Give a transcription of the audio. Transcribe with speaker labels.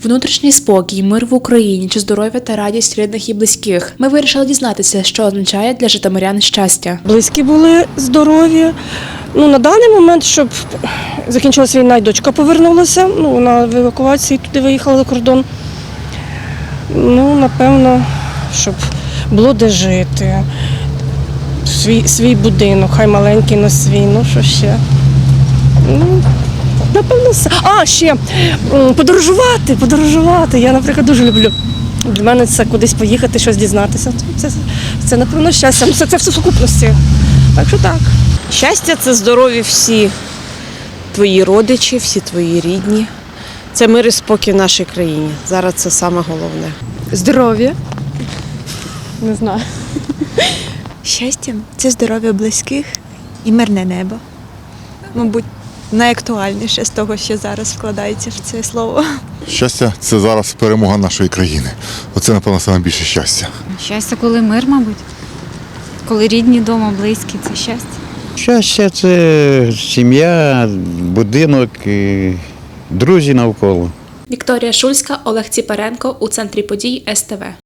Speaker 1: Внутрішній спокій, мир в Україні чи здоров'я та радість рідних і близьких. Ми вирішили дізнатися, що означає для житомирян щастя.
Speaker 2: Близькі були здорові. На даний момент, щоб закінчилася війна, і дочка повернулася. Вона в евакуації туди виїхала за кордон. Напевно, щоб було де жити. Свій будинок, хай маленький на свій, що ще. Напевно, все. Ще подорожувати. Я, наприклад, дуже люблю. Для мене це кудись поїхати, щось дізнатися. Це напевно, щастя. Це все в сукупності. Так що так.
Speaker 3: Щастя – це здорові всі твої родичі, всі твої рідні. Це мир і спокій в нашій країні. Зараз це саме головне.
Speaker 4: Здоров'я. Не знаю.
Speaker 5: Щастя – це здоров'я близьких і мирне небо. Мабуть, найактуальніше з того, що зараз вкладається в це слово.
Speaker 6: Щастя – це зараз перемога нашої країни. Оце, напевно, найбільше щастя.
Speaker 7: Щастя, коли мир, мабуть. Коли рідні вдома, близькі – це щастя.
Speaker 8: Щастя – це сім'я, будинок, друзі навколо.
Speaker 1: Вікторія Шульська, Олег Ціпаренко у центрі подій СТВ.